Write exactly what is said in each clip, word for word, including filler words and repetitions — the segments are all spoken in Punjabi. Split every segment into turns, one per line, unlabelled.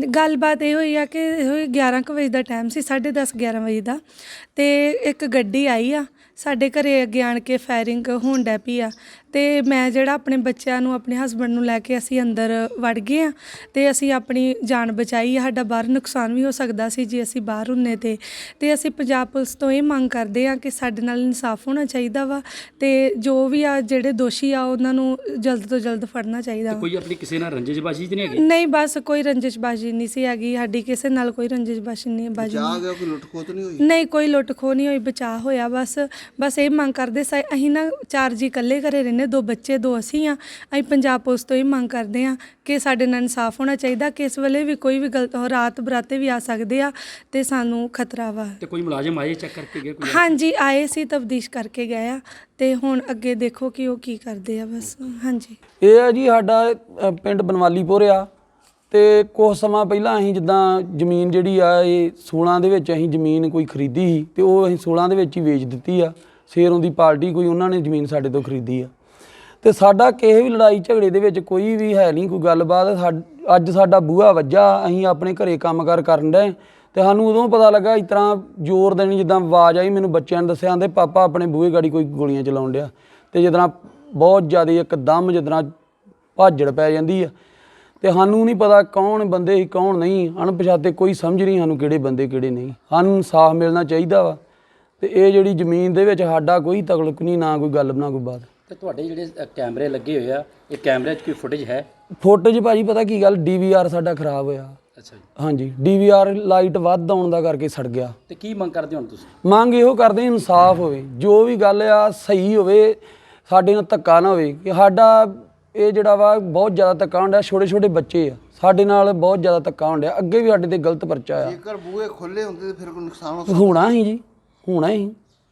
ਗੱਲਬਾਤ ਇਹ ਹੋਈ ਆ ਕਿ ਇਹੋ ਹੀ ਗਿਆਰਾਂ ਕੁ ਵਜੇ ਦਾ ਟਾਈਮ ਸੀ, ਸਾਢੇ ਦਸ ਗਿਆਰਾਂ ਵਜੇ ਦਾ। ਅਤੇ ਇੱਕ ਗੱਡੀ ਆਈ ਆ ਸਾਡੇ ਘਰੇ ਅੱਗੇ ਆਣ ਕੇ ਫਾਇਰਿੰਗ ਹੋਣ ਡੈ ਪਈ ਆ। ਅਤੇ ਮੈਂ ਜਿਹੜਾ ਆਪਣੇ ਬੱਚਿਆਂ ਨੂੰ ਆਪਣੇ ਹਸਬੈਂਡ ਨੂੰ ਲੈ ਕੇ ਅਸੀਂ ਅੰਦਰ ਵੜ ਗਏ ਹਾਂ ਅਤੇ ਅਸੀਂ ਆਪਣੀ ਜਾਨ ਬਚਾਈ ਆ। ਸਾਡਾ ਬਾਹਰ ਨੁਕਸਾਨ ਵੀ ਹੋ ਸਕਦਾ ਸੀ ਜੇ ਅਸੀਂ ਬਾਹਰ ਹੁੰਦੇ ਤੇ ਅਤੇ ਅਸੀਂ ਪੰਜਾਬ ਪੁਲਿਸ ਤੋਂ ਇਹ ਮੰਗ ਕਰਦੇ ਹਾਂ ਕਿ ਸਾਡੇ ਨਾਲ ਇਨਸਾਫ ਹੋਣਾ ਚਾਹੀਦਾ ਵਾ ਅਤੇ ਜੋ ਵੀ ਆ ਜਿਹੜੇ ਦੋਸ਼ੀ ਆ ਉਹਨਾਂ ਨੂੰ ਜਲਦ ਤੋਂ ਜਲਦ ਫੜਨਾ ਚਾਹੀਦਾ ਵਾ।
ਕੋਈ ਆਪਣੀ ਕਿਸੇ ਨਾਲ ਰੰਜਿਸ਼ਬਾਜ਼ੀ ਤਾਂ ਨਹੀਂ ਹੈਗੀ?
ਨਹੀਂ, ਬਸ ਕੋਈ ਰੰਜਿਸ਼ਬਾਜ਼ੀ ਨਹੀਂ ਸੀ ਹੈਗੀ ਸਾਡੀ, ਕਿਸੇ ਨਾਲ ਕੋਈ ਰੰਜਿਸ਼ਬਾਜ਼ੀ ਨਹੀਂ ਬਾਜੀ ਨਹੀਂ।
ਕੋਈ ਲੁੱਟ ਖੋਹ ਤਾਂ ਨਹੀਂ ਹੋਈ?
ਨਹੀਂ, ਕੋਈ ਲੁੱਟ ਖੋਹ ਨਹੀਂ ਹੋਈ, ਬਚਾਅ ਹੋਇਆ। ਬਸ ਬਸ ਇਹ ਮੰਗ ਕਰਦੇ ਸਾਂ, ਅਸੀਂ ਨਾ ਚਾਰ ਜੀ ਇਕੱਲੇ ਘਰੇ ਰਹਿੰਦੇ, ਦੋ ਬੱਚੇ ਦੋ ਅਸੀਂ ਹਾਂ। ਅਸੀਂ ਪੰਜਾਬ ਪੁਲਿਸ ਤੋਂ ਇਹ ਮੰਗ ਕਰਦੇ ਹਾਂ ਕਿ ਸਾਡੇ ਨਾਲ ਇਨਸਾਫ ਹੋਣਾ ਚਾਹੀਦਾ। ਕਿਸ ਵੇਲੇ ਵੀ ਕੋਈ ਵੀ ਗਲਤ ਰਾਤ ਬਰਾਤੇ ਵੀ ਆ ਸਕਦੇ ਆ ਅਤੇ ਸਾਨੂੰ ਖਤਰਾ ਵਾ।
ਤੇ ਕੋਈ ਮੁਲਾਜ਼ਮ ਆਏ ਚੈੱਕ ਕਰਕੇ ਗਏ?
ਹਾਂਜੀ, ਆਏ ਸੀ, ਤਫਤੀਸ਼ ਕਰਕੇ ਗਏ ਆ ਅਤੇ ਹੁਣ ਅੱਗੇ ਦੇਖੋ ਕਿ ਉਹ ਕੀ ਕਰਦੇ ਆ। ਬਸ ਹਾਂਜੀ,
ਇਹ ਆ ਜੀ ਸਾਡਾ ਅ, ਪਿੰਡ ਬਨਵਾਲੀਪੁਰ ਆ। ਅਤੇ ਕੁਛ ਸਮਾਂ ਪਹਿਲਾਂ ਅਸੀਂ ਜਿੱਦਾਂ ਜ਼ਮੀਨ ਜਿਹੜੀ ਆ ਇਹ ਸੋਲਾਂ ਦੇ ਵਿੱਚ ਅਸੀਂ ਜ਼ਮੀਨ ਕੋਈ ਖਰੀਦੀ ਸੀ ਅਤੇ ਉਹ ਅਸੀਂ ਸੋਲਾਂ ਦੇ ਵਿੱਚ ਹੀ ਵੇਚ ਦਿੱਤੀ ਆ। ਸ਼ੇਰੋਂ ਦੀ ਪਾਰਟੀ ਕੋਈ ਉਹਨਾਂ ਨੇ ਜ਼ਮੀਨ ਸਾਡੇ ਤੋਂ ਖਰੀਦੀ ਆ ਅਤੇ ਸਾਡਾ ਕਿਸੇ ਵੀ ਲੜਾਈ ਝਗੜੇ ਦੇ ਵਿੱਚ ਕੋਈ ਵੀ ਹੈ ਨਹੀਂ ਕੋਈ ਗੱਲਬਾਤ। ਸਾ ਅੱਜ ਸਾਡਾ ਬੂਹਾ ਵੱਜਾ, ਅਸੀਂ ਆਪਣੇ ਘਰੇ ਕੰਮ ਕਾਰ ਕਰਨ ਡਏ ਅਤੇ ਸਾਨੂੰ ਉਦੋਂ ਪਤਾ ਲੱਗਾ ਇਸ ਤਰ੍ਹਾਂ ਜ਼ੋਰ ਦੇਣੀ ਜਿੱਦਾਂ ਆਵਾਜ਼ ਆਈ। ਮੈਨੂੰ ਬੱਚਿਆਂ ਨੇ ਦੱਸਿਆ, ਆਂਦੇ ਪਾਪਾ ਆਪਣੇ ਬੂਹੇ ਗਾੜੀ ਕੋਈ ਗੋਲੀਆਂ ਚਲਾਉਣ ਡਿਆ ਅਤੇ ਜਿੱਦਾਂ ਬਹੁਤ ਜ਼ਿਆਦਾ ਇੱਕਦਮ ਜਿੱਦਾਂ ਭਾਜੜ ਪੈ ਜਾਂਦੀ ਆ ਅਤੇ ਸਾਨੂੰ ਨਹੀਂ ਪਤਾ ਕੌਣ ਬੰਦੇ ਸੀ ਕੌਣ ਨਹੀਂ, ਅਣਪਛਾਤੇ ਕੋਈ ਸਮਝ ਨਹੀਂ ਸਾਨੂੰ ਕਿਹੜੇ ਬੰਦੇ ਕਿਹੜੇ ਨਹੀਂ। ਸਾਨੂੰ ਇਨਸਾਫ ਮਿਲਣਾ ਚਾਹੀਦਾ ਵਾ ਅਤੇ ਇਹ ਜਿਹੜੀ ਜ਼ਮੀਨ ਦੇ ਵਿੱਚ ਸਾਡਾ ਕੋਈ ਤਕਲਕ ਨਹੀਂ, ਨਾ ਕੋਈ ਗੱਲ ਨਾ ਕੋਈ ਬਾਤ।
ਤੇ ਤੁਹਾਡੇ ਜਿਹੜੇ ਕੈਮਰੇ ਲੱਗੇ ਹੋਏ ਆ, ਇਹ ਕੈਮਰੇ 'ਚ ਕੋਈ ਫੁਟੇਜ ਹੈ?
ਫੁਟੇਜ ਭਾਜੀ ਪਤਾ ਕੀ ਗੱਲ, ਡੀ ਵੀ ਆਰ ਸਾਡਾ ਖਰਾਬ ਹੋਇਆ।
ਅੱਛਾ ਜੀ।
ਹਾਂਜੀ, ਡੀ ਵੀ ਆਰ ਲਾਈਟ ਵੱਧ ਆਉਣ ਦਾ ਕਰਕੇ ਸੜ ਗਿਆ।
ਤੇ ਕੀ ਮੰਗ ਕਰਦੇ ਹੁਣ ਤੁਸੀਂ?
ਮੰਗ ਇਹੋ ਕਰਦੇ ਇਨਸਾਫ ਹੋਵੇ, ਜੋ ਵੀ ਗੱਲ ਆ ਸਹੀ ਹੋਵੇ, ਸਾਡੇ ਨਾਲ ਧੱਕਾ ਨਾ ਹੋਵੇ। ਕਿ ਸਾਡਾ ਇਹ ਜਿਹੜਾ ਵਾ ਬਹੁਤ ਜ਼ਿਆਦਾ ਧੱਕਾ ਹੁੰਦਾ, ਛੋਟੇ ਛੋਟੇ ਬੱਚੇ ਆ ਸਾਡੇ ਨਾਲ ਬਹੁਤ ਜ਼ਿਆਦਾ ਧੱਕਾ ਹੁੰਦਾ। ਅੱਗੇ ਵੀ ਸਾਡੇ ਤੇ ਗਲਤ ਪਰਚਾ ਆ।
ਜੇਕਰ ਬੂਹੇ ਖੁੱਲੇ ਹੁੰਦੇ ਤਾਂ ਫਿਰ ਕੋਈ ਨੁਕਸਾਨ ਹੋ
ਹੋਣਾ ਹੀ ਜੀ, ਹੋਣਾ ਹੀ,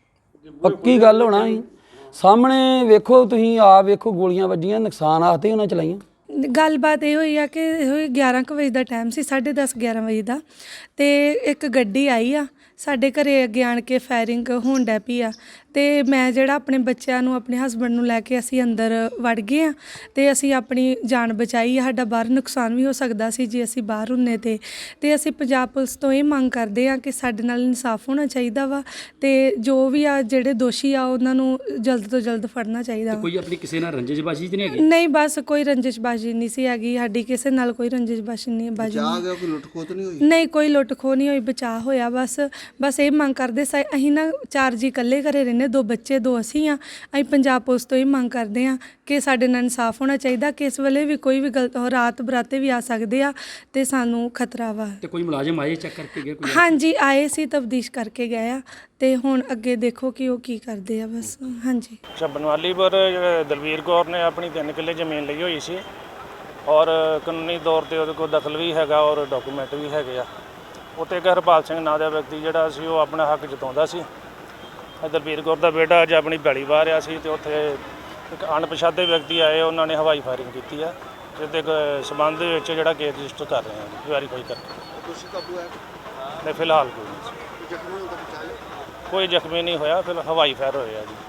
ਪੱਕੀ ਗੱਲ ਹੋਣਾ ਹੀ। ਸਾਹਮਣੇ ਵੇਖੋ, ਤੁਸੀਂ ਆਪ ਵੇਖੋ, ਗੋਲੀਆਂ ਵੱਜੀਆਂ, ਨੁਕਸਾਨ ਆਤੇ ਉਹਨਾਂ ਚਲਾਈਆਂ।
ਗੱਲਬਾਤ ਇਹ ਹੋਈ ਆ ਕਿ ਇਹੋ ਹੀ ਗਿਆਰਾਂ ਕੁ ਵਜੇ ਦਾ ਟਾਈਮ ਸੀ, ਸਾਢੇ ਦਸ ਗਿਆਰਾਂ ਵਜੇ ਦਾ। ਅਤੇ ਇੱਕ ਗੱਡੀ ਆਈ ਆ ਸਾਡੇ ਘਰੇ ਅੱਗੇ ਆਣ ਕੇ ਫਾਇਰਿੰਗ ਹੋਣ ਡੈ ਪਈ ਆ। ਅਤੇ ਮੈਂ ਜਿਹੜਾ ਆਪਣੇ ਬੱਚਿਆਂ ਨੂੰ ਆਪਣੇ ਹਸਬੈਂਡ ਨੂੰ ਲੈ ਕੇ ਅਸੀਂ ਅੰਦਰ ਵੜ ਗਏ ਹਾਂ ਅਤੇ ਅਸੀਂ ਆਪਣੀ ਜਾਨ ਬਚਾਈ ਆ। ਸਾਡਾ ਬਾਹਰ ਨੁਕਸਾਨ ਵੀ ਹੋ ਸਕਦਾ ਸੀ ਜੇ ਅਸੀਂ ਬਾਹਰ ਹੁੰਦੇ ਤੇ ਅਤੇ ਅਸੀਂ ਪੰਜਾਬ ਪੁਲਿਸ ਤੋਂ ਇਹ ਮੰਗ ਕਰਦੇ ਹਾਂ ਕਿ ਸਾਡੇ ਨਾਲ ਇਨਸਾਫ ਹੋਣਾ ਚਾਹੀਦਾ ਵਾ ਅਤੇ ਜੋ ਵੀ ਆ ਜਿਹੜੇ ਦੋਸ਼ੀ ਆ ਉਹਨਾਂ ਨੂੰ ਜਲਦ ਤੋਂ ਜਲਦ ਫੜਨਾ ਚਾਹੀਦਾ ਵਾ।
ਕੋਈ ਆਪਣੀ ਕਿਸੇ ਨਾਲ ਰੰਜਿਸ਼ਬਾਜ਼ੀ ਤਾਂ ਨਹੀਂ ਹੈਗੀ?
ਨਹੀਂ, ਬਸ ਕੋਈ ਰੰਜਿਸ਼ਬਾਜ਼ੀ ਨਹੀਂ ਸੀ ਹੈਗੀ ਸਾਡੀ, ਕਿਸੇ ਨਾਲ ਕੋਈ ਰੰਜਿਸ਼ਬਾਜ਼ੀ ਨਹੀਂ ਬਾਜੀ ਨਹੀਂ।
ਕੋਈ ਲੁੱਟ ਖੋਹ ਤਾਂ ਨਹੀਂ ਹੋਈ?
ਨਹੀਂ, ਕੋਈ ਲੁੱਟ ਖੋਹ ਨਹੀਂ ਹੋਈ, ਬਚਾਅ ਹੋਇਆ। ਬਸ ਬਸ ਇਹ ਮੰਗ ਕਰਦੇ ਸਾਂ, ਅਸੀਂ ਨਾ ਚਾਰ ਜੀ ਇਕੱਲੇ ਘਰੇ ਰਹਿੰਦੇ, ਦੋ ਬੱਚੇ ਦੋ ਅਸੀਂ ਹਾਂ। ਅਸੀਂ ਪੰਜਾਬ ਪੁਲਿਸ ਤੋਂ ਇਹ ਮੰਗ ਕਰਦੇ ਹਾਂ ਕਿ ਸਾਡੇ ਨਾਲ ਇਨਸਾਫ ਹੋਣਾ ਚਾਹੀਦਾ। ਕਿਸ ਵੇਲੇ ਵੀ ਕੋਈ ਵੀ ਗਲਤ ਰਾਤ ਬਰਾਤੇ ਵੀ ਆ ਸਕਦੇ ਆ ਅਤੇ ਸਾਨੂੰ ਖਤਰਾ ਵਾ।
ਤੇ ਕੋਈ ਮੁਲਾਜ਼ਮ ਆਏ ਚੈੱਕ ਕਰਕੇ ਗਏ?
ਹਾਂਜੀ, ਆਏ ਸੀ, ਤਫਤੀਸ਼ ਕਰਕੇ ਗਏ ਆ ਅਤੇ ਹੁਣ ਅੱਗੇ ਦੇਖੋ ਕਿ ਉਹ ਕੀ ਕਰਦੇ ਆ। ਬਸ ਹਾਂਜੀ।
ਅੱਛਾ, ਬਨਵਾਲੀਪੁਰ ਦਲਵੀਰ ਕੌਰ ਨੇ ਆਪਣੀ ਤਿੰਨ ਕਿੱਲੇ ਜ਼ਮੀਨ ਲਈ ਹੋਈ ਸੀ ਔਰ ਕਾਨੂੰਨੀ ਤੌਰ 'ਤੇ ਉਹਦੇ ਕੋਲ ਦਖਲ ਵੀ ਹੈਗਾ ਔਰ ਡਾਕੂਮੈਂਟ ਵੀ ਹੈਗੇ ਆ। ਉੱਥੇ ਇੱਕ ਹਰਪਾਲ ਸਿੰਘ ਨਾਂ ਦਾ ਵਿਅਕਤੀ ਜਿਹੜਾ ਸੀ ਉਹ ਆਪਣਾ ਹੱਕ ਜਤਾਉਂਦਾ ਸੀ। ਦਲਵੀਰ ਕੌਰ ਦਾ ਬੇਟਾ ਅੱਜ ਆਪਣੀ ਪੈਲੀ ਵਾਹ ਰਿਹਾ ਸੀ ਅਤੇ ਉੱਥੇ ਇੱਕ ਅਣਪਛਾਤੇ ਵਿਅਕਤੀ ਆਏ, ਉਹਨਾਂ ਨੇ ਹਵਾਈ ਫਾਇਰਿੰਗ ਕੀਤੀ ਆ, ਜਿਸ ਦੇ ਸਬੰਧ ਦੇ ਵਿੱਚ ਜਿਹੜਾ ਕੇਸ ਰਜਿਸਟਰ ਕਰ ਰਹੇ ਹਾਂ, ਵੈਰੀਫਾਈ ਕਰਕੇ।
ਦੋਸ਼ੀ ਕਾਬੂ ਹੈ?
ਨਹੀਂ, ਫਿਲਹਾਲ ਕੋਈ ਨਹੀਂ, ਕੋਈ ਜ਼ਖਮੀ ਨਹੀਂ ਹੋਇਆ, ਫਿਰ ਹਵਾਈ ਫਾਇਰ ਹੋਏ ਆ ਜੀ।